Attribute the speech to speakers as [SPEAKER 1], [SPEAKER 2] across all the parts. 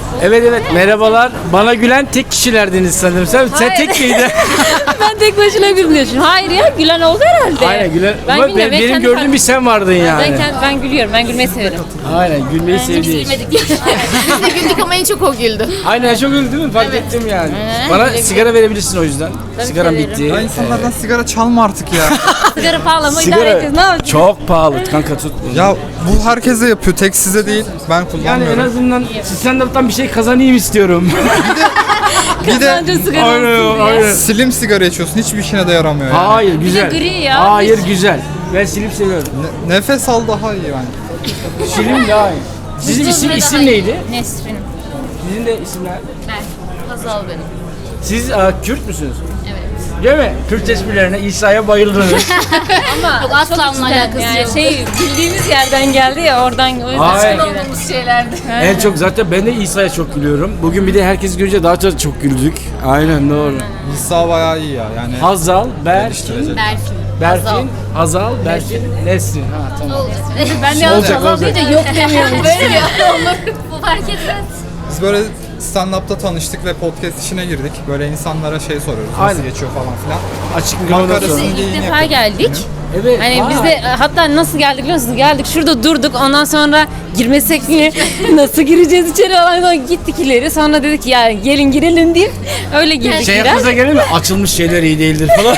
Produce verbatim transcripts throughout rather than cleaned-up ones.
[SPEAKER 1] Evet evet merhabalar. Bana gülen tek kişilerdiniz sanırım. Sen, sen
[SPEAKER 2] Hayır.
[SPEAKER 1] tek miydin?
[SPEAKER 2] Ben tek başına gülmüyorsun. Hayır ya, gülen oldu herhalde.
[SPEAKER 1] Aynen gülen.
[SPEAKER 2] Ben
[SPEAKER 1] Ama
[SPEAKER 2] bilmiyorum,
[SPEAKER 1] ben-
[SPEAKER 2] ben
[SPEAKER 1] benim
[SPEAKER 2] kendi
[SPEAKER 1] gördüğüm
[SPEAKER 2] fark-
[SPEAKER 1] bir sen vardın yani.
[SPEAKER 2] Ben, kend- ben gülüyorum. Ben gülmeyi severim.
[SPEAKER 1] Aynen gülmeyi sevdiğin.
[SPEAKER 3] Biz de güldük ama en çok o güldü.
[SPEAKER 1] Aynen çok güldü değil mi? Fark ettim yani.
[SPEAKER 2] Aynen,
[SPEAKER 1] Bana
[SPEAKER 2] güle
[SPEAKER 1] sigara verebilirsin o yüzden.
[SPEAKER 2] Tabii
[SPEAKER 1] Sigaram
[SPEAKER 2] ki veririm.
[SPEAKER 1] bitti.
[SPEAKER 4] Ya insanlardan sigara çalma artık ya.
[SPEAKER 2] Sigara pahalı ama idare
[SPEAKER 1] Sigara
[SPEAKER 2] edeceğiz. Ne yapacağız?
[SPEAKER 1] çok pahalı kanka tut.
[SPEAKER 4] Ya bu herkese yapıyor, tek size değil. Ben
[SPEAKER 1] Yani en
[SPEAKER 4] kullanmıyorum.
[SPEAKER 1] azından stand-up'tan bir şey kazanayım istiyorum.
[SPEAKER 4] Bir de
[SPEAKER 2] Kazancı sigara olsun
[SPEAKER 1] aynen
[SPEAKER 2] diye.
[SPEAKER 1] aynen.
[SPEAKER 4] slim sigara içiyorsun, hiçbir işine de yaramıyor yani.
[SPEAKER 1] Hayır güzel.
[SPEAKER 2] gri ya,
[SPEAKER 1] Hayır
[SPEAKER 2] hiç.
[SPEAKER 1] güzel. Ben silip seviyorum.
[SPEAKER 4] Ne- nefes al daha iyi yani.
[SPEAKER 1] Silim daha iyi. Sizin isim isim neydi?
[SPEAKER 2] Nesrin.
[SPEAKER 1] Sizin de isimler.
[SPEAKER 3] Ben. Hazal benim.
[SPEAKER 1] Siz a, Kürt müsünüz?
[SPEAKER 3] Evet.
[SPEAKER 1] Değil mi? Kürt esprilerine İsa'ya bayıldınız.
[SPEAKER 2] Ama
[SPEAKER 3] Yok, asla onunla alakası
[SPEAKER 2] yani
[SPEAKER 3] yok.
[SPEAKER 2] şey bildiğimiz yerden geldi ya oradan o yüzden
[SPEAKER 1] Hayır.
[SPEAKER 2] söyledim.
[SPEAKER 3] Olduğumuz şeylerdi.
[SPEAKER 1] En çok zaten ben de İsa'ya çok gülüyorum. Bugün bir de herkes görünce daha çok, çok güldük. Aynen doğru.
[SPEAKER 4] İsa bayağı iyi ya yani.
[SPEAKER 1] Hazal, Berfin,
[SPEAKER 4] Geliştirecek.
[SPEAKER 3] Berfin.
[SPEAKER 1] Berfin, Hazal, Berfin, Nesrin. Ha tamam.
[SPEAKER 2] Ben de
[SPEAKER 1] Olacak,
[SPEAKER 2] Hazal
[SPEAKER 1] olacak.
[SPEAKER 2] deyince yok demiyorum.
[SPEAKER 3] Böyle mi? Olur. Bu fark etmez.
[SPEAKER 4] Biz böyle stand-up'ta tanıştık ve podcast işine girdik. Böyle insanlara şey soruyoruz, nasıl
[SPEAKER 1] Aynen.
[SPEAKER 4] geçiyor falan filan.
[SPEAKER 1] Açık mikrofona
[SPEAKER 4] Banka
[SPEAKER 1] sonra.
[SPEAKER 4] arasında-
[SPEAKER 2] İlk defa geldik.
[SPEAKER 1] Evet.
[SPEAKER 2] Hani
[SPEAKER 1] vay.
[SPEAKER 2] biz de hatta nasıl geldik biliyor musunuz? Geldik şurada durduk ondan sonra girmesek mi? Nasıl gireceğiz içeri falan sonra gittik ileri. Sonra dedik ya gelin girelim deyip öyle girdik
[SPEAKER 1] Şey
[SPEAKER 2] biraz.
[SPEAKER 1] aklınıza gelir mi? Açılmış şeyler iyi değildir falan.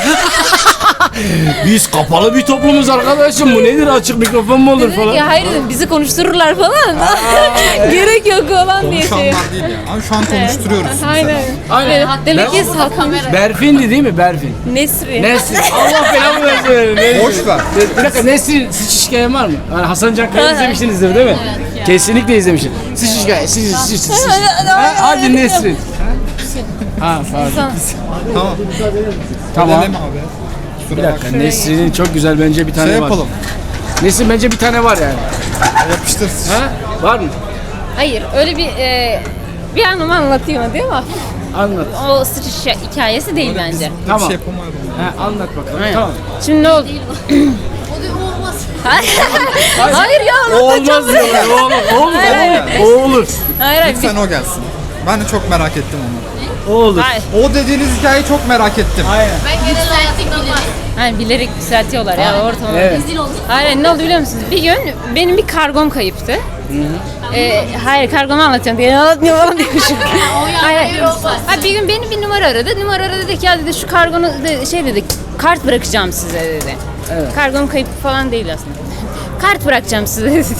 [SPEAKER 1] Biz kapalı bir toplumuz arkadaşım. Bu nedir? Açık mikrofon mu olur
[SPEAKER 2] Dedik
[SPEAKER 1] falan?
[SPEAKER 2] ya hayır dedim bizi konuştururlar falan. Gerek yok falan diye şey.
[SPEAKER 4] Konuşanlar değil ya. Ama şu an konuşturuyoruz.
[SPEAKER 2] Aynen.
[SPEAKER 1] Aynen.
[SPEAKER 2] Evet, demek ki
[SPEAKER 1] Ben-
[SPEAKER 2] satmış.
[SPEAKER 1] Berfin'di değil mi? Berfin.
[SPEAKER 2] Nesri.
[SPEAKER 1] Nesrin. Allah belamı versin. Nesrin.
[SPEAKER 4] Boş ver.
[SPEAKER 1] Bir dakika Nesrin sıç hikayen var mı? Yani Hasan Can Kaya izlemişsinizdir değil mi? Kesinlikle izlemişim. Sıç hikaye. Sıç sıç sıç. sıç. Ha, Hadi Nesrin. Ha pardon.
[SPEAKER 4] Tamam.
[SPEAKER 1] Tamam.
[SPEAKER 4] Dedim abi.
[SPEAKER 1] Bir
[SPEAKER 4] Kusura
[SPEAKER 1] dakika
[SPEAKER 4] bakma.
[SPEAKER 1] Nesrin'in çok güzel bence bir tane
[SPEAKER 4] Şey
[SPEAKER 1] var.
[SPEAKER 4] yapalım.
[SPEAKER 1] Nesrin bence bir tane var yani.
[SPEAKER 4] Yapıştır.
[SPEAKER 1] Ha? Var mı?
[SPEAKER 2] Hayır öyle bir e, bir anımı anlatayım hadi ama
[SPEAKER 1] Anlat.
[SPEAKER 2] o sıçış hikayesi değil bence.
[SPEAKER 4] Bir
[SPEAKER 1] Tamam.
[SPEAKER 4] şey yapamayalım.
[SPEAKER 1] Ha, anlat bakalım.
[SPEAKER 2] Aynen.
[SPEAKER 1] Tamam.
[SPEAKER 2] Şimdi ne oldu?
[SPEAKER 3] O da olmaz.
[SPEAKER 2] Hayır, hayır ya
[SPEAKER 1] O
[SPEAKER 2] anlatacağım.
[SPEAKER 1] olmaz diyorlar. O olur. O olur.
[SPEAKER 2] Hayır, hayır.
[SPEAKER 1] O olur.
[SPEAKER 2] Hayır hayır.
[SPEAKER 4] Lütfen o gelsin. Ben de çok merak ettim onu.
[SPEAKER 1] O olur.
[SPEAKER 2] Hayır.
[SPEAKER 4] O dediğiniz hikayeyi çok merak ettim.
[SPEAKER 1] Aynen.
[SPEAKER 3] Ben genel olarak bilerek.
[SPEAKER 2] Hayır bilerek düzeltiyorlar ya ortamı.
[SPEAKER 1] Evet.
[SPEAKER 3] Rezil olduk.
[SPEAKER 2] Hayır ne oldu biliyor musunuz? Bir gün benim bir kargom kayıptı. Ee, hayır kargomu anlatıyorum diye anlatmıyor falan diyormuşum. hayır, hayır. Ha, bir gün beni bir numara aradı. Numara aradı dedi ki ya dedi şu kargonu de, şey dedi kart bırakacağım size dedi.
[SPEAKER 1] Evet.
[SPEAKER 2] Kargom kayıp falan değil aslında. Kart bırakacağım size dedi.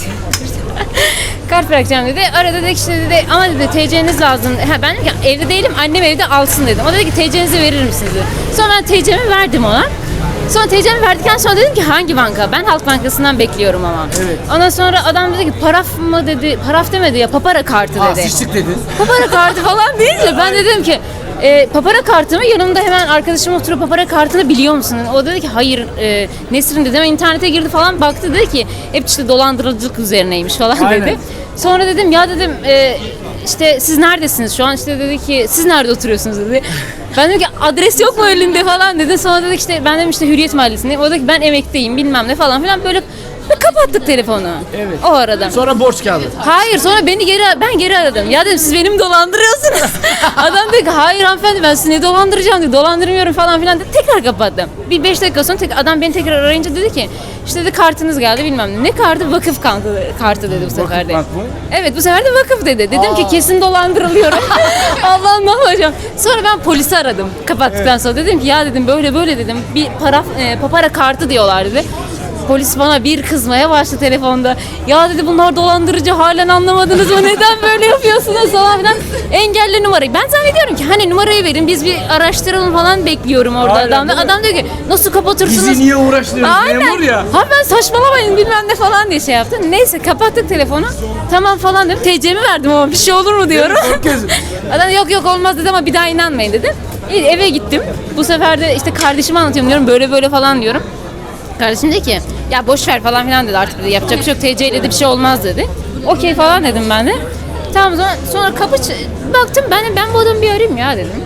[SPEAKER 2] Kart bırakacağım dedi. Arada dedi ki işte dedi ama dedi T C'niz lazım. Ha, ben dedim ki evde değilim annem evde alsın dedim. O dedi ki T C'nizi verir misiniz dedi. Sonra ben T C'mi verdim ona. Sonra T C'mi verdikten sonra dedim ki hangi banka? Ben Halk Bankası'ndan bekliyorum ama.
[SPEAKER 1] Evet.
[SPEAKER 2] Ondan sonra adam dedi ki paraf mı dedi. Paraf demedi ya papara kartı
[SPEAKER 1] Aa,
[SPEAKER 2] dedi.
[SPEAKER 1] sıçtık dedin.
[SPEAKER 2] Papara kartı falan deyince ben de dedim ki e, papara kartımı yanımda hemen arkadaşım oturup papara kartını biliyor musun? O dedi ki hayır e, Nesrin dedi ama internete girdi falan baktı dedi ki hep işte dolandırıcılık üzerineymiş falan
[SPEAKER 1] Aynen.
[SPEAKER 2] dedi. Sonra dedim ya dedim e, işte siz neredesiniz şu an işte dedi ki siz nerede oturuyorsunuz dedi. Ben dedim ki adres yok mu elinde falan dedi. Sonra dedi ki işte ben dedim işte Hürriyet Mahallesi'ndeyim. O dedi ki ben emekteyim bilmem ne falan filan böyle ve kapattık telefonu.
[SPEAKER 1] Evet.
[SPEAKER 2] O arada.
[SPEAKER 1] Sonra borç kağıdı.
[SPEAKER 2] Hayır sonra beni geri ben geri aradım. Ya dedim siz beni mi dolandırıyorsunuz? Adam dedi ki hayır hanımefendi ben sizi ne dolandıracağım dedi. Dolandırmıyorum falan filan dedi. Tekrar kapattım. Bir beş dakika sonra tek, adam beni tekrar arayınca dedi ki işte dedi kartınız geldi bilmem ne. Ne kartı? Vakıf kartı, kartı dedi bu sefer de.
[SPEAKER 1] bank mı?
[SPEAKER 2] Evet bu sefer de vakıf dedi. Dedim ki kesin dolandırılıyorum. Allah'ım ne yapacağım? Sonra ben polisi aradım kapattıktan sonra. Dedim ki ya dedim böyle böyle dedim. Bir para, e, papara kartı diyorlar dedi. Polis bana bir kızmaya başladı telefonda. Ya dedi bunlar dolandırıcı halen anlamadınız mı? Neden böyle yapıyorsunuz falan filan. Engelle numarayı. Ben zannediyorum ki hani numarayı verin biz bir araştıralım falan bekliyorum orada
[SPEAKER 1] Aynen,
[SPEAKER 2] adamda.
[SPEAKER 1] değil mi?
[SPEAKER 2] Adam diyor ki nasıl kapatırsınız?
[SPEAKER 1] Bizi niye uğraştırıyorsun
[SPEAKER 2] Aynen.
[SPEAKER 1] memur ya?
[SPEAKER 2] Ha ben saçmalamayın bilmem ne falan diye şey yaptım. Neyse kapattık telefonu. Tamam falan dedim. T C'mi verdim ama bir şey olur mu diyorum.
[SPEAKER 1] Çok gözüm.
[SPEAKER 2] Adam yok yok olmaz dedi ama bir daha inanmayın dedi. İyi, eve gittim. Bu sefer de işte kardeşime anlatıyorum diyorum böyle böyle falan diyorum. Kardeşim dedi ki ya boş ver falan filan dedi artık dedi yapacak bir şey yok T C ile de bir şey olmaz dedi. Okey falan dedim ben de. Tamam sonra, sonra kapı ç- baktım ben de ben bu adamı bir arayayım ya dedim.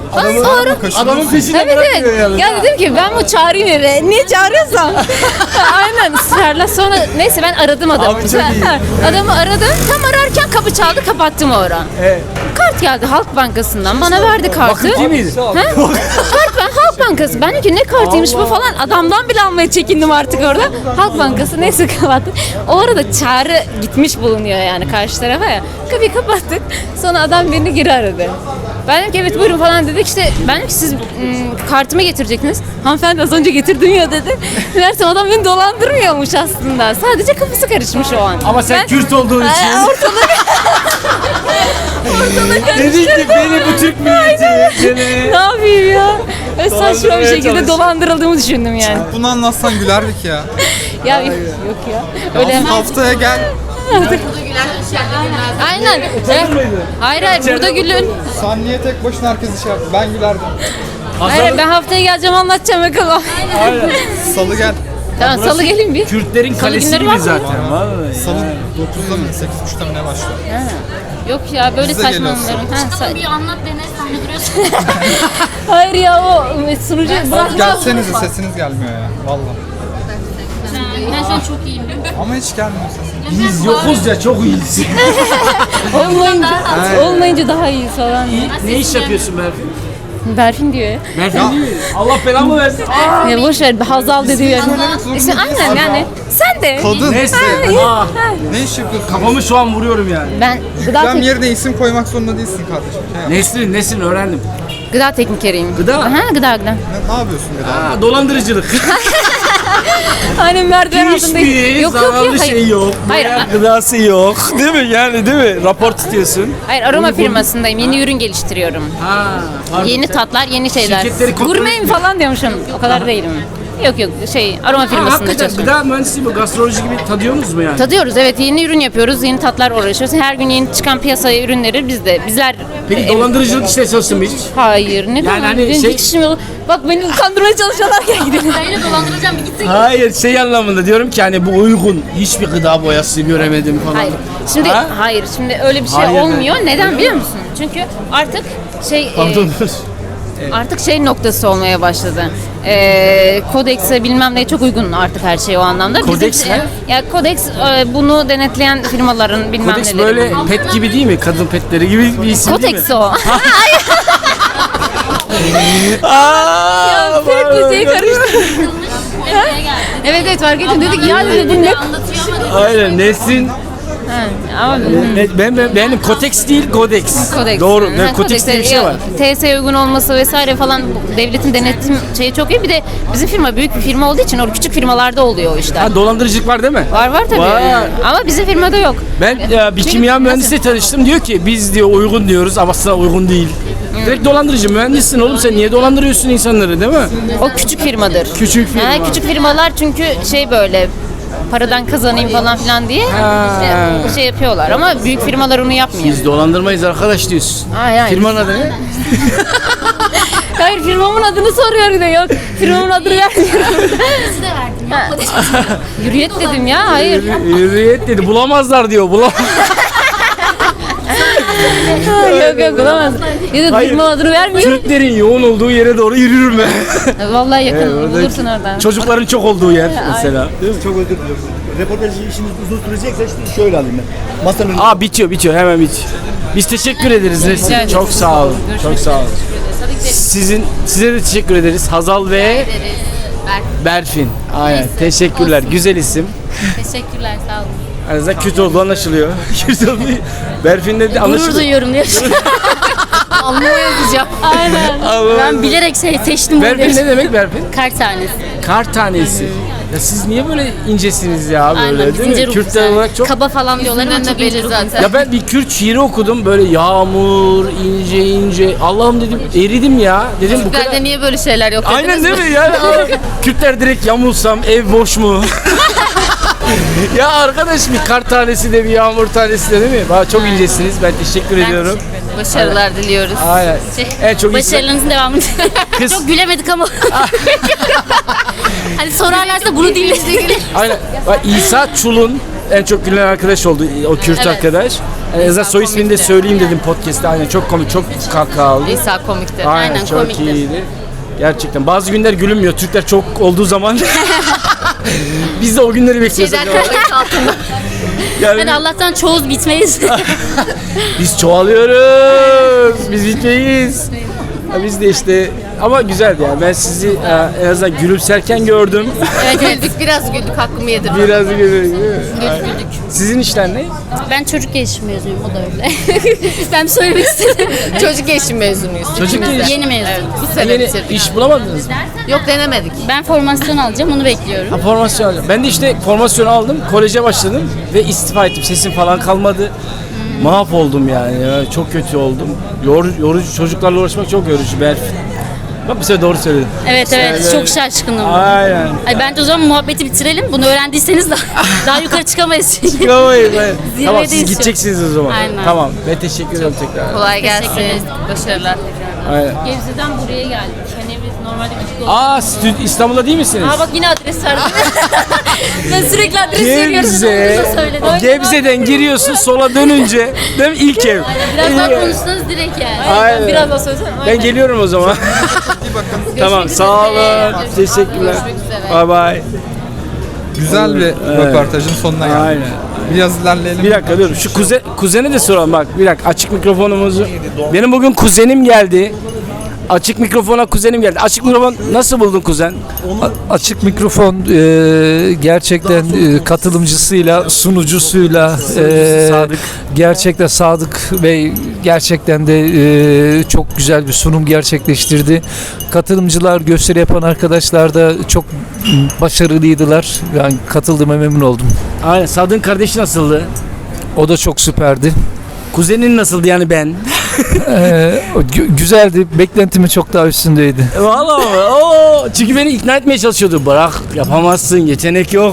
[SPEAKER 1] Adamı,
[SPEAKER 2] Sonra
[SPEAKER 1] adamın peşinden
[SPEAKER 2] evet
[SPEAKER 1] bırakmıyor
[SPEAKER 2] evet.
[SPEAKER 1] yani.
[SPEAKER 2] Ya dedim ki ben bu çağırayım eve. Niye çağırıyorsam? Aynen ısrarla. Sonra neyse ben aradım adamı.
[SPEAKER 1] Abi çok iyi.
[SPEAKER 2] Adamı aradım. Tam ararken kapı çaldı, kapattım o ara.
[SPEAKER 1] Evet.
[SPEAKER 2] Kart geldi Halk Bankası'ndan. Bana verdi kartı.
[SPEAKER 1] Vakıf değil miydi?
[SPEAKER 2] Ha? Kart ben Halk Bankası. Ben dedim ki ne kartıymış bu falan. Adamdan bile almaya çekindim artık orada. Halk Bankası neyse kapattım. O arada çağrı gitmiş bulunuyor yani karşı tarafa ya. Kapıyı kapattık. Sonra adam beni geri aradı. Ben dedim ki evet buyurun falan dedik. İşte ben dedim ki siz ım, kartımı getirecektiniz. Hanımefendi az önce getirdim ya dedi. Meğersem adam beni dolandırmıyormuş aslında. Sadece kafası karışmış o an.
[SPEAKER 1] Ama sen
[SPEAKER 2] Ben-
[SPEAKER 1] Kürt olduğun için.
[SPEAKER 2] Ay, ortalık
[SPEAKER 1] Dedin ki beni bu Türk milleti. Beni.
[SPEAKER 2] ne yapayım ya? Öyle saçma bir
[SPEAKER 1] Dolandırmaya
[SPEAKER 2] şekilde
[SPEAKER 1] çalışıyor.
[SPEAKER 2] dolandırıldığımı düşündüm yani.
[SPEAKER 4] Bunu anlatsan gülerdik ya.
[SPEAKER 2] Ya yok ya. Öyle
[SPEAKER 4] Öyle haftaya gel.
[SPEAKER 3] Burada gülen içeride gülmez.
[SPEAKER 2] aynen.
[SPEAKER 1] Utanır mıydı?
[SPEAKER 2] Hayır hayır burada gülün.
[SPEAKER 4] Sen niye tek başına herkesi şey yaptın? Ben gülerdim.
[SPEAKER 2] Hayır
[SPEAKER 1] Hasan,
[SPEAKER 2] ben haftaya geleceğim anlatacağım bakalım.
[SPEAKER 1] aynen.
[SPEAKER 4] Salı gel.
[SPEAKER 2] Tamam salı gelin bir.
[SPEAKER 1] Kürtlerin
[SPEAKER 2] Salı
[SPEAKER 1] kalesi
[SPEAKER 2] günleri
[SPEAKER 1] gibi
[SPEAKER 2] var mı?
[SPEAKER 1] zaten. Vallahi.
[SPEAKER 4] Salı dokuzda mı sekiz buçukta mı ne başlıyor?
[SPEAKER 2] Yok ya böyle
[SPEAKER 4] Biz de
[SPEAKER 2] saçma
[SPEAKER 4] geliyoruz.
[SPEAKER 2] onların. Ha,
[SPEAKER 3] Ama
[SPEAKER 2] sa-
[SPEAKER 3] bir anlat dene sahne duruyorsun.
[SPEAKER 2] hayır ya o sunucu bırak.
[SPEAKER 4] Gelsenize sesiniz gelmiyor ya. Vallahi.
[SPEAKER 3] Ben şu an çok iyiyim.
[SPEAKER 4] Ama hiç gelmiyor sesin.
[SPEAKER 1] Biz yokuz ya çok iyiyiz.
[SPEAKER 2] Olmayınca, olmayınca daha iyi falan.
[SPEAKER 1] ne iş yapıyorsun Berfin?
[SPEAKER 2] Berfin diyor ya.
[SPEAKER 1] Berfin değil mi? Allah belamı versin. Aa!
[SPEAKER 2] Ya boş ver Hazal dedi yani.
[SPEAKER 4] Söylemek zorunda
[SPEAKER 2] İşte aynen
[SPEAKER 4] değilsin.
[SPEAKER 2] yani. Sen de.
[SPEAKER 4] Kadın.
[SPEAKER 1] Neyse.
[SPEAKER 2] Ha,
[SPEAKER 1] Aa,
[SPEAKER 2] ha.
[SPEAKER 4] Ne iş yapıyorsun?
[SPEAKER 1] kafamı şu an vuruyorum yani.
[SPEAKER 2] Ben gıda,
[SPEAKER 4] Yüklem
[SPEAKER 2] tek-
[SPEAKER 4] yerine isim koymak zorunda değilsin kardeşim. Şey yap.
[SPEAKER 1] Neslin, neslin öğrendim.
[SPEAKER 2] gıda teknikeriyim.
[SPEAKER 1] Gıda?
[SPEAKER 2] Aha gıda gıda.
[SPEAKER 4] Ne, ne yapıyorsun bir daha?
[SPEAKER 1] Aa, dolandırıcılık.
[SPEAKER 2] Aynen merdiven altında.
[SPEAKER 1] Hiçbir zararlı şey yok.
[SPEAKER 2] Hayır,
[SPEAKER 1] Hayır,
[SPEAKER 2] a-
[SPEAKER 1] gıdası yok. Değil mi yani değil mi? Rapor tutuyorsun.
[SPEAKER 2] hayır aroma firmasındayım. Yeni ürün geliştiriyorum.
[SPEAKER 1] Ha, pardon.
[SPEAKER 2] Yeni tatlar, yeni şeyler.
[SPEAKER 1] Şirketleri kontrol
[SPEAKER 2] Gurmeyim
[SPEAKER 1] etmiyor.
[SPEAKER 2] falan diyormuşum. O kadar değilim. Yok yok şey aroma
[SPEAKER 1] Ha,
[SPEAKER 2] firmasında
[SPEAKER 1] hakikaten
[SPEAKER 2] çalışıyorum.
[SPEAKER 1] gıda mühendisliği bu gastroloji gibi tadıyorsunuz mu yani?
[SPEAKER 2] Tadıyoruz evet yeni ürün yapıyoruz. Yeni tatlar uğraşıyoruz. Her gün yeni çıkan piyasaya ürünleri biz de bizler
[SPEAKER 1] Peki
[SPEAKER 2] e,
[SPEAKER 1] dolandırıcılık işte çalıştın mı hiç?
[SPEAKER 2] hayır ne yani
[SPEAKER 1] hani
[SPEAKER 2] benim
[SPEAKER 1] şey-
[SPEAKER 2] hiç işim yok. Bak beni kandırmaya çalışıyorlar gel gidelim.
[SPEAKER 3] Ben yine dolandıracağım bir gitsin.
[SPEAKER 1] Hayır şey anlamında diyorum ki hani bu uygun hiçbir gıda boyası göremedim falan.
[SPEAKER 2] Hayır. Şimdi
[SPEAKER 1] Ha?
[SPEAKER 2] hayır. Şimdi öyle bir şey
[SPEAKER 1] Hayır,
[SPEAKER 2] olmuyor. Neden biliyor musun? Çünkü artık şey e,
[SPEAKER 1] Pardon.
[SPEAKER 2] artık şey noktası olmaya başladı. E, kodekse bilmem neye çok uygun artık her şey o anlamda.
[SPEAKER 1] Kodeks
[SPEAKER 2] Bizim-
[SPEAKER 1] ne?
[SPEAKER 2] Ya kodeks e, bunu denetleyen firmaların bilmem
[SPEAKER 1] Kodeks
[SPEAKER 2] neleri.
[SPEAKER 1] böyle pet gibi değil mi? Kadın petleri gibi bir isim değil mi?
[SPEAKER 2] Kodeks o.
[SPEAKER 1] Aaa!
[SPEAKER 2] Ya pet şey karıştı.
[SPEAKER 3] Buraya geldi.
[SPEAKER 2] Evet evet fark ettim. Dedik ya dedi bu ne?
[SPEAKER 3] Anlatıyor ama
[SPEAKER 1] Aynen Nesin.
[SPEAKER 2] Ha, ama
[SPEAKER 1] Ne, ben, ben, benim kodeks değil kodeks.
[SPEAKER 2] kodeks.
[SPEAKER 1] Doğru.
[SPEAKER 2] Ha,
[SPEAKER 1] Ben kodeks diye bir şey
[SPEAKER 2] ya,
[SPEAKER 1] var.
[SPEAKER 2] T S E uygun olması vesaire falan bu devletin denetim şeyi çok iyi. Bir de bizim firma büyük bir firma olduğu için o küçük firmalarda oluyor o işler.
[SPEAKER 1] Ha, dolandırıcılık var değil mi?
[SPEAKER 2] Var var tabii.
[SPEAKER 1] Var.
[SPEAKER 2] Ama bizim firmada yok.
[SPEAKER 1] Ben ya, bir
[SPEAKER 2] Çünkü-
[SPEAKER 1] kimya mühendisiyle tanıştım diyor ki biz diyor uygun diyoruz ama aslında uygun değil. Direkt dolandırıcı mühendissin oğlum sen niye dolandırıyorsun insanları değil mi?
[SPEAKER 2] O küçük firmadır.
[SPEAKER 1] Küçük firma.
[SPEAKER 2] Ha, küçük firmalar çünkü şey böyle paradan kazanayım falan filan diye
[SPEAKER 1] Ha.
[SPEAKER 2] işte şey yapıyorlar ama büyük firmalar onu yapmıyor.
[SPEAKER 1] Biz dolandırmayız arkadaş diyorsun.
[SPEAKER 2] Hayır, hayır.
[SPEAKER 1] Firmanın adı ne?
[SPEAKER 2] Hayır firmamın adını soruyor bir de yok. Firmamın adını vermiyorum.
[SPEAKER 3] size verdim. Yapma dedim.
[SPEAKER 2] Hürriyet dedim ya hayır.
[SPEAKER 1] Hürriyet dedi bulamazlar diyor bulamaz.
[SPEAKER 2] yok yok bulamaz. Ya da
[SPEAKER 1] Hayır.
[SPEAKER 2] firma adını vermiyorum.
[SPEAKER 1] Türklerin yoğun olduğu yere doğru yürürüm ben.
[SPEAKER 2] Vallahi yakın
[SPEAKER 1] Evet, orada-
[SPEAKER 2] bulursun oradan.
[SPEAKER 1] Çocukların çok olduğu yer mesela.
[SPEAKER 5] Çok özür diliyorum. Reportaj işiniz uzun sürecekse işte şöyle alayım ben. Masanın
[SPEAKER 1] Aa bitiyor bitiyor hemen bitiyor. Biz teşekkür ederiz Nesin.
[SPEAKER 2] ederiz.
[SPEAKER 1] Çok sağ olun. Çok sağ olun. Sizin size de teşekkür ederiz. Hazal ve Berfin. Aynen. Teşekkürler. Güzel isim.
[SPEAKER 3] Teşekkürler sağ olun.
[SPEAKER 1] Aranızda kötü olduğu anlaşılıyor. Kötü olduğu. Berfin'le de
[SPEAKER 3] Gurur
[SPEAKER 1] anlaşılıyor.
[SPEAKER 3] duyuyorum diyorsun. Alnıma yazacağım. Aynen.
[SPEAKER 1] Allah.
[SPEAKER 3] Ben bilerek şey seçtim
[SPEAKER 1] Berfin
[SPEAKER 3] böyle.
[SPEAKER 1] ne demek Berfin?
[SPEAKER 3] Kart tanesi.
[SPEAKER 1] Kar tanesi. Ya siz niye böyle incesiniz ya böyle
[SPEAKER 3] Aynen biz
[SPEAKER 1] değil
[SPEAKER 3] ince
[SPEAKER 1] mi?
[SPEAKER 3] ruhlu.
[SPEAKER 1] Kürtler olarak çok...
[SPEAKER 3] Kaba falan diyorlar ama çok ince zaten.
[SPEAKER 1] Ya ben bir Kürt şiiri okudum böyle yağmur ince ince. Allah'ım dedim eridim ya. Dedim bu kadar.
[SPEAKER 3] Türklerde niye böyle şeyler yok dediniz
[SPEAKER 1] Aynen değil
[SPEAKER 3] mi?
[SPEAKER 1] mi? Yani aa, Kürtler direkt yamulsam ev boş mu? Ya arkadaş bir kar tanesi de bir yağmur tanesi de değil mi? Valla çok incesiniz. Ben teşekkür ediyorum.
[SPEAKER 3] Başarılar diliyoruz.
[SPEAKER 1] Aynen. En çok insan-
[SPEAKER 3] Başarılarınızın devamını.
[SPEAKER 1] Kız-
[SPEAKER 3] Çok gülemedik ama. Hani sorarlarsa bunu dinledik.
[SPEAKER 1] Aynen. Bak İsa Çul'un en çok gülen arkadaş oldu o Kürt
[SPEAKER 3] Evet.
[SPEAKER 1] arkadaş. En azından
[SPEAKER 3] İsa
[SPEAKER 1] soy ismini de
[SPEAKER 3] komikti.
[SPEAKER 1] söyleyeyim dedim podcast'te. Aynen çok komik, çok kahkahalı.
[SPEAKER 3] İsa komikti.
[SPEAKER 1] Aynen,
[SPEAKER 3] Aynen,
[SPEAKER 1] çok
[SPEAKER 3] komikti.
[SPEAKER 1] iyiydi. Gerçekten bazı günler gülünmüyor. Türkler çok olduğu zaman biz de o günleri bekliyoruz.
[SPEAKER 3] Şeyden kayıt altında.
[SPEAKER 1] Yani
[SPEAKER 2] Hadi Allah'tan çoğuz bitmeyiz.
[SPEAKER 1] biz çoğalıyoruz. Biz bitmeyiz. Ha, biz de işte ama güzeldi yani. Ben sizi e, en azından gülümserken gördüm.
[SPEAKER 3] Evet güldük biraz güldük hakkımı yedim.
[SPEAKER 1] Biraz güldük.
[SPEAKER 3] Güldük.
[SPEAKER 1] Sizin işler ne?
[SPEAKER 2] Ben çocuk gelişimi mezunuyum, o da öyle. Ben söylemek istedim.
[SPEAKER 3] Çocuk gelişim mezunuyuz.
[SPEAKER 1] Çocuk
[SPEAKER 3] ikimiz de.
[SPEAKER 1] gelişim.
[SPEAKER 2] Yeni mezun.
[SPEAKER 3] Evet, bu sene
[SPEAKER 1] Yeni
[SPEAKER 3] bitirdik.
[SPEAKER 1] iş bulamadınız mı?
[SPEAKER 3] Yok denemedik.
[SPEAKER 2] Ben formasyon alacağım, onu bekliyorum.
[SPEAKER 1] Ha, formasyon alacağım. Ben de işte formasyon aldım, koleje başladım ve istifa ettim. Sesim falan kalmadı. Mahvoldum yani. Ya, çok kötü oldum. Yor, yorucu, çocuklarla uğraşmak çok yorucu. Ben bak bir sefer doğru söyledim.
[SPEAKER 2] Evet evet,
[SPEAKER 1] Yani-
[SPEAKER 2] çok şaşkınım.
[SPEAKER 1] Aynen.
[SPEAKER 2] Ay bence o zaman muhabbeti bitirelim. Bunu öğrendiyseniz daha, daha yukarı çıkamayız.
[SPEAKER 1] Çıkamayız. evet. Tamam siz
[SPEAKER 2] Zirvedeyiz
[SPEAKER 1] gideceksiniz o zaman.
[SPEAKER 2] Aynen.
[SPEAKER 1] Tamam. Ben teşekkür ederim tekrar.
[SPEAKER 3] Kolay gelsin.
[SPEAKER 2] Teşekkür ederim.
[SPEAKER 3] Başarılar.
[SPEAKER 1] Aynen.
[SPEAKER 2] Gebze'den buraya geldik. Hani biz normalde üç
[SPEAKER 1] Aa stü- İstanbul'da değil misiniz?
[SPEAKER 2] Aa bak yine adres verdim. Ben sürekli adres veriyorum.
[SPEAKER 1] Gebze.
[SPEAKER 2] Onu da söyledim.
[SPEAKER 1] Gebze'den giriyorsun sola dönünce değil mi? İlk ev.
[SPEAKER 2] Biraz daha
[SPEAKER 1] İyi.
[SPEAKER 2] konuşsanız direkt yani.
[SPEAKER 1] Aynen.
[SPEAKER 2] Ben biraz daha söylesem.
[SPEAKER 1] Ben geliyorum o zaman. Tamam sağ olun. Teşekkürler. Bye bye.
[SPEAKER 4] Güzel bir
[SPEAKER 1] Evet.
[SPEAKER 4] röportajın sonuna geldik.
[SPEAKER 1] Aynen.
[SPEAKER 4] Biraz ilerleyelim.
[SPEAKER 1] Bir dakika dur. Şu kuze, kuzeni de soralım bak. Bir dakika açık mikrofonumuzu. Benim bugün kuzenim geldi. Açık mikrofona kuzenim geldi. Açık mikrofon nasıl buldun kuzen?
[SPEAKER 6] A- Açık mikrofon e, gerçekten e, katılımcısıyla, sunucusuyla e,
[SPEAKER 1] Sadık.
[SPEAKER 6] gerçekten Sadık Bey gerçekten de e, çok güzel bir sunum gerçekleştirdi. Katılımcılar, gösteri yapan arkadaşlar da çok başarılıydılar. Yani katıldığıma memnun oldum.
[SPEAKER 1] Aynen. Sadık'ın kardeşi nasıldı?
[SPEAKER 6] O da çok süperdi.
[SPEAKER 1] Kuzenin nasıldı yani ben?
[SPEAKER 6] E, o gü- güzeldi. Beklentimin çok daha üstündeydi.
[SPEAKER 1] Vallahi mi? Oo, çünkü beni ikna etmeye çalışıyordu. Bırak yapamazsın, yetenek yok.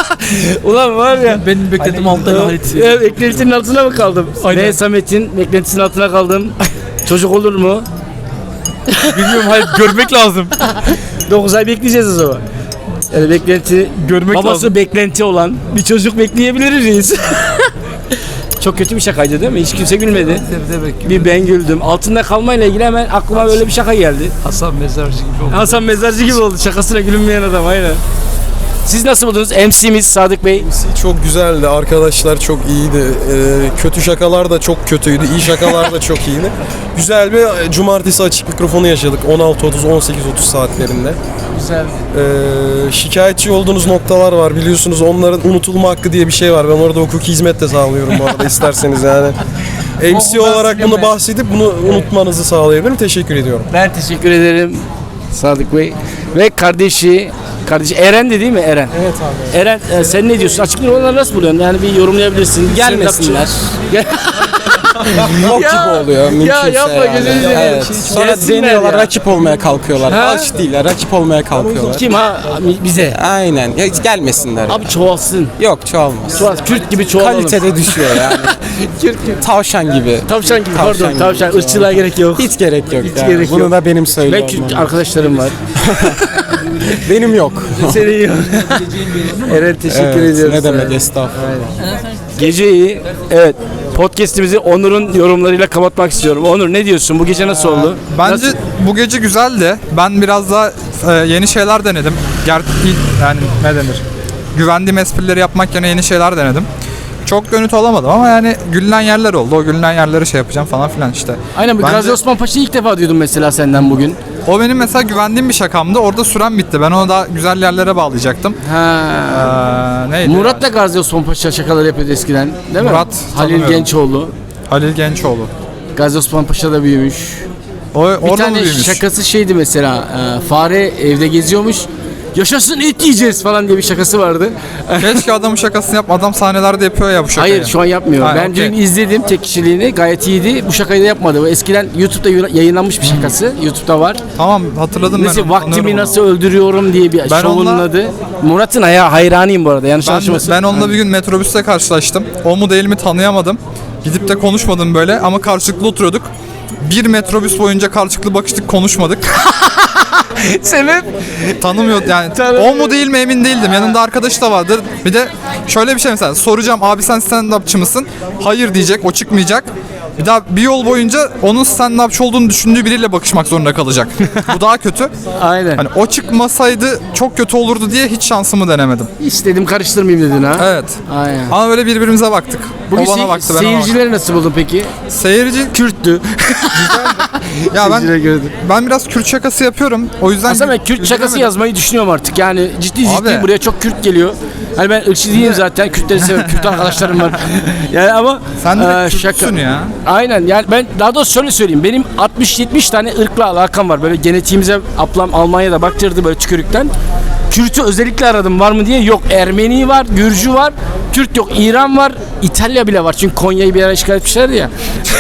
[SPEAKER 1] Ulan var ya.
[SPEAKER 6] Benim beklentim altında Halit.
[SPEAKER 1] Evet, beklentinin altına mı kaldım? Ne Samet'in beklentisinin altına kaldım. Çocuk olur mu?
[SPEAKER 6] Bilmiyorum Halit, görmek lazım.
[SPEAKER 1] dokuz ay bekleyeceğiz o zaman. Yani beklenti,
[SPEAKER 6] Görmek
[SPEAKER 1] babası
[SPEAKER 6] lazım.
[SPEAKER 1] beklenti olan bir çocuk bekleyebiliriz. Çok kötü bir şakaydı değil mi? Hiç kimse gülmedi.
[SPEAKER 6] Demek
[SPEAKER 1] Bir ben güldüm. Altında kalmayla ilgili hemen aklıma böyle bir şaka geldi.
[SPEAKER 6] Hasan Mezarcı gibi oldu.
[SPEAKER 1] Hasan Mezarcı gibi oldu. Şakasına gülünmeyen adam aynen. Siz nasıl buldunuz? M C'miz Sadık Bey.
[SPEAKER 7] Çok güzeldi. Arkadaşlar çok iyiydi. Ee, kötü şakalar da çok kötüydü. İyi şakalar da çok iyiydi. Güzel bir e, cumartesi açık mikrofonu yaşadık. on altı otuz on sekiz otuz saatlerinde.
[SPEAKER 1] Güzel.
[SPEAKER 7] Ee, şikayetçi olduğunuz noktalar var. Biliyorsunuz onların unutulma hakkı diye bir şey var. Ben orada hukuki hizmet de sağlıyorum bu arada isterseniz yani. M C olarak bunu bahsedip bunu unutmanızı sağlayabilirim. Teşekkür ediyorum.
[SPEAKER 1] Ben teşekkür ederim Sadık Bey. Ve kardeşi, kardeşi Eren de değil mi Eren? Evet abi. Eren e, sen ne diyorsun? Açık mikrofonu nasıl buluyorsun? Yani bir yorumlayabilirsin.
[SPEAKER 7] Gelmesinler.
[SPEAKER 1] Gel.
[SPEAKER 7] Çok
[SPEAKER 1] Ya,
[SPEAKER 7] gibi oluyor mümkünse
[SPEAKER 1] yapma,
[SPEAKER 7] yani.
[SPEAKER 1] gözünü seveyim.
[SPEAKER 7] Evet. Sonra
[SPEAKER 1] Gelsinler
[SPEAKER 7] deniyorlar,
[SPEAKER 1] ya.
[SPEAKER 7] rakip olmaya kalkıyorlar.
[SPEAKER 1] Ha?
[SPEAKER 7] Aç değiller, rakip olmaya kalkıyorlar.
[SPEAKER 1] Kim ha? Bize.
[SPEAKER 7] Aynen. Ya hiç gelmesinler.
[SPEAKER 1] Abi çoğalsın.
[SPEAKER 7] Yok çoğalmaz.
[SPEAKER 1] Çoğal, Kürt gibi çoğalalım.
[SPEAKER 7] Kalitede düşüyor yani.
[SPEAKER 1] Kürt gibi.
[SPEAKER 7] Tavşan gibi.
[SPEAKER 1] Tavşan gibi
[SPEAKER 7] Tavşan
[SPEAKER 1] pardon.
[SPEAKER 7] gibi.
[SPEAKER 1] Tavşan. Irkçılığa gerek yok.
[SPEAKER 7] Hiç gerek yok.
[SPEAKER 1] Hiç
[SPEAKER 7] yani.
[SPEAKER 1] gerek
[SPEAKER 7] Bunu
[SPEAKER 1] yok.
[SPEAKER 7] da benim
[SPEAKER 1] Ben
[SPEAKER 7] söylüyorum.
[SPEAKER 1] Kürt arkadaşlarım var.
[SPEAKER 7] Benim yok.
[SPEAKER 1] Senin yok. Eren teşekkür
[SPEAKER 7] Evet,
[SPEAKER 1] ediyoruz.
[SPEAKER 7] ne demek estağfurullah.
[SPEAKER 1] Geceyi evet podcast'imizi Onur'un yorumlarıyla kapatmak istiyorum. Onur ne diyorsun? Bu gece nasıl oldu?
[SPEAKER 4] Bence
[SPEAKER 1] Nasıl?
[SPEAKER 4] bu gece güzeldi. Ben biraz daha e, yeni şeyler denedim. Ger yani ne denir? Güvendiğim esprileri yapmak yerine yeni şeyler denedim. Çok gönüt olamadım ama yani gülünen yerler oldu. O gülünen yerleri şey yapacağım falan filan işte.
[SPEAKER 1] Aynen bu
[SPEAKER 4] Bence-
[SPEAKER 1] Gazi Osman Paşa'yı ilk defa duydum mesela senden bugün.
[SPEAKER 4] O benim mesela güvendiğim bir şakamdı. Orada süren bitti. Ben onu daha güzel yerlere bağlayacaktım.
[SPEAKER 1] Ha.
[SPEAKER 4] Ee, neydi?
[SPEAKER 1] Murat da Gazi Osman Paşa şakalar yapıyordu eskiden değil mi?
[SPEAKER 4] Murat
[SPEAKER 1] Halil
[SPEAKER 4] tanımıyorum.
[SPEAKER 1] Gençoğlu.
[SPEAKER 4] Halil Gençoğlu.
[SPEAKER 1] Gazi Osman Paşa da büyümüş.
[SPEAKER 4] O
[SPEAKER 1] Bir
[SPEAKER 4] orada mı
[SPEAKER 1] tane
[SPEAKER 4] büyümüş?
[SPEAKER 1] şakası şeydi mesela e, fare evde geziyormuş. Yaşasın et yiyeceğiz falan diye bir şakası vardı.
[SPEAKER 4] Keşke adamın şakasını yap. Adam sahnelerde yapıyor ya bu şakayı.
[SPEAKER 1] Hayır şu an yapmıyor.
[SPEAKER 4] Ha,
[SPEAKER 1] ben
[SPEAKER 4] okey.
[SPEAKER 1] dün izledim tek kişiliğini gayet iyiydi. Bu şakayı da yapmadı. Bu eskiden YouTube'da yayınlanmış bir şakası. YouTube'da var.
[SPEAKER 4] Tamam hatırladım ben.
[SPEAKER 1] Mesela
[SPEAKER 4] onu,
[SPEAKER 1] vaktimi
[SPEAKER 4] tanıyorum
[SPEAKER 1] nasıl öldürüyorum diye bir
[SPEAKER 4] Ben
[SPEAKER 1] şovunun
[SPEAKER 4] onunla-
[SPEAKER 1] adı. Murat'ın aya hayranıyım bu arada. Yanlış
[SPEAKER 4] onu. Ben,
[SPEAKER 1] anlaşılmasın.
[SPEAKER 4] ben onunla bir gün metrobüste karşılaştım. O mu değil mi tanıyamadım. Gidip de konuşmadım böyle ama karşılıklı oturuyorduk. Bir metrobüs boyunca karşılıklı bakıştık konuşmadık.
[SPEAKER 1] Sebep?
[SPEAKER 4] Tanımıyor yani.
[SPEAKER 1] Tanımıyor.
[SPEAKER 4] O mu değil mi emin değildim. Yanında arkadaş da vardı. Bir de şöyle bir şey mesela soracağım abi sen stand-upçı mısın? Hayır diyecek, o çıkmayacak. Bir daha bir yol boyunca onun stand-upçı olduğunu düşündüğü biriyle bakışmak zorunda kalacak. Bu daha kötü.
[SPEAKER 1] Aynen.
[SPEAKER 4] Hani o çıkmasaydı çok kötü olurdu diye hiç şansımı denemedim.
[SPEAKER 1] İstedim karıştırmayayım dedin ha.
[SPEAKER 4] Evet.
[SPEAKER 1] Aynen.
[SPEAKER 4] Ama böyle birbirimize baktık.
[SPEAKER 1] Bugün
[SPEAKER 4] o bana
[SPEAKER 1] sey-
[SPEAKER 4] baktı, ben ona baktım.
[SPEAKER 1] seyircileri nasıl buldun peki?
[SPEAKER 4] Seyirci
[SPEAKER 1] Kürttü.
[SPEAKER 4] ya ben
[SPEAKER 1] Seyircilere gördüm.
[SPEAKER 4] ben biraz Kürt şakası yapıyorum. O yüzden
[SPEAKER 1] Aslında ben Kürt şakası
[SPEAKER 4] üzülemedim.
[SPEAKER 1] yazmayı düşünüyorum artık. Yani ciddi ciddi
[SPEAKER 4] Abi.
[SPEAKER 1] buraya çok Kürt geliyor. Hani ben ırkçı değilim zaten. Kürtleri seviyorum. Kürt arkadaşlarım var. Yani ama
[SPEAKER 4] Sen de
[SPEAKER 1] e,
[SPEAKER 4] Kürtsün ya.
[SPEAKER 1] Aynen. Yani ben daha doğrusu şöyle söyleyeyim. Benim altmış yetmiş tane ırkla alakam var. Böyle genetiğimize ablam Almanya'da baktırdı böyle tükürükten. Kürt'ü özellikle aradım var mı diye. Yok, Ermeni var, Gürcü var, Kürt yok, İran var, İtalya bile var. Çünkü Konya'yı bir ara işgal etmişlerdi ya.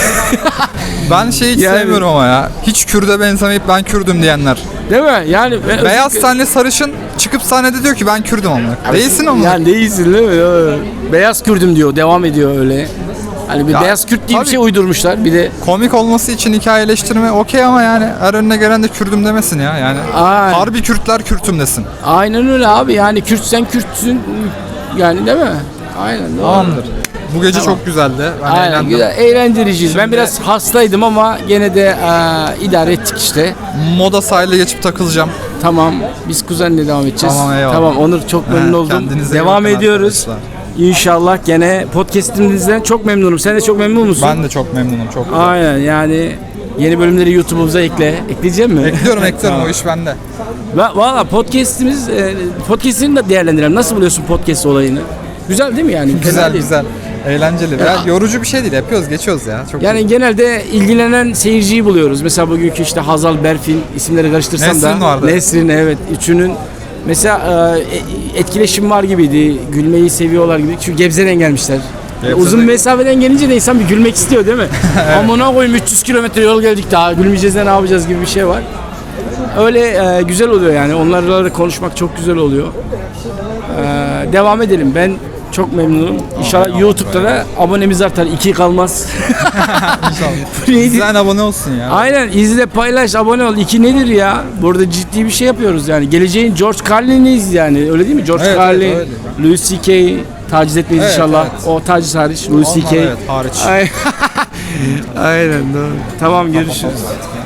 [SPEAKER 4] Ben şeyi hiç
[SPEAKER 1] Yani-
[SPEAKER 4] sevmiyorum ama ya. Hiç Kürt'e benzemeyip ben Kürdüm diyenler.
[SPEAKER 1] Değil mi? Yani ben
[SPEAKER 4] Beyaz
[SPEAKER 1] özellikle-
[SPEAKER 4] tenli sarışın çıkıp sahnede diyor ki ben Kürdüm ama. Değilsin ama.
[SPEAKER 1] Yani değilsin değil mi? Evet. Beyaz Kürdüm diyor. Devam ediyor öyle. Hani bir
[SPEAKER 4] Ya,
[SPEAKER 1] beyaz Kürt diye bir
[SPEAKER 4] tabii.
[SPEAKER 1] şey uydurmuşlar. Bir de
[SPEAKER 4] Komik olması için hikayeleştirme okey ama yani her önüne gelen de Kürdüm demesin ya. Yani
[SPEAKER 1] Aynen.
[SPEAKER 4] harbi Kürtler Kürtüm desin.
[SPEAKER 1] aynen öyle abi. Yani Kürtsen Kürtsün. Yani değil mi? Aynen. Doğru.
[SPEAKER 4] Tamamdır. Bu gece çok güzeldi. Ben
[SPEAKER 1] Aynen
[SPEAKER 4] eğlendim.
[SPEAKER 1] güzel, eğlendiriciyiz. Ben
[SPEAKER 4] Şimdi-
[SPEAKER 1] biraz hastaydım ama gene de e, idare ettik işte.
[SPEAKER 4] Moda sahile geçip takılacağım.
[SPEAKER 1] Tamam, biz kuzenle devam edeceğiz.
[SPEAKER 4] Tamam, eyvallah.
[SPEAKER 1] Tamam, Onur çok memnun
[SPEAKER 4] He,
[SPEAKER 1] oldum.
[SPEAKER 4] kendinize iyi
[SPEAKER 1] Devam
[SPEAKER 4] bakın
[SPEAKER 1] ediyoruz.
[SPEAKER 4] arkadaşlar.
[SPEAKER 1] İnşallah gene podcast'imizden çok memnunum. Sen de çok memnun musun?
[SPEAKER 4] Ben de çok memnunum. Çok güzel.
[SPEAKER 1] Aynen yani yeni bölümleri YouTube'umuza ekle. Ekleyecek mi?
[SPEAKER 4] Ekliyorum ekliyorum o iş bende.
[SPEAKER 1] Va- Valla podcast'imiz, e, podcast'ini de değerlendirelim. Nasıl buluyorsun podcast olayını? Güzel değil mi yani? Fena
[SPEAKER 4] Güzel
[SPEAKER 1] değil.
[SPEAKER 4] güzel. Eğlenceli. Ya, yorucu bir şey değil. Yapıyoruz geçiyoruz ya. Çok
[SPEAKER 1] Yani genelde ilgilenen seyirciyi buluyoruz. Mesela bugünkü işte Hazal, Berfin isimleri karıştırsam
[SPEAKER 4] Nesrin
[SPEAKER 1] da.
[SPEAKER 4] vardı.
[SPEAKER 1] Nesrin evet. Üçünün mesela e, etkileşim var gibiydi. Gülmeyi seviyorlar gibi. Çünkü Gebze'den gelmişler.
[SPEAKER 4] Gebze'de-
[SPEAKER 1] Uzun mesafeden gelince de insan bir gülmek istiyor değil mi? Amına koyayım üç yüz kilometre yol geldik daha gülmeyeceğiz de ne yapacağız gibi bir şey var. Öyle e, güzel oluyor yani. Onlarla da konuşmak çok güzel oluyor. E, devam edelim. Ben çok memnunum. İnşallah YouTube'da da abonemiz artar. İki kalmaz. Neydi?
[SPEAKER 4] Sen abone olsun ya.
[SPEAKER 1] Aynen, izle, paylaş, abone ol. İki nedir ya? Burada ciddi bir şey yapıyoruz yani. Geleceğin George Carlin'iyiz yani. Öyle değil mi? George
[SPEAKER 4] Evet,
[SPEAKER 1] Carlin,
[SPEAKER 4] evet,
[SPEAKER 1] Louis C K taciz etmeyiz
[SPEAKER 4] Evet,
[SPEAKER 1] inşallah.
[SPEAKER 4] evet.
[SPEAKER 1] O taciz hariç. Louis C K.
[SPEAKER 4] Onlar evet hariç.
[SPEAKER 1] Ay- Aynen doğru. Tamam, görüşürüz.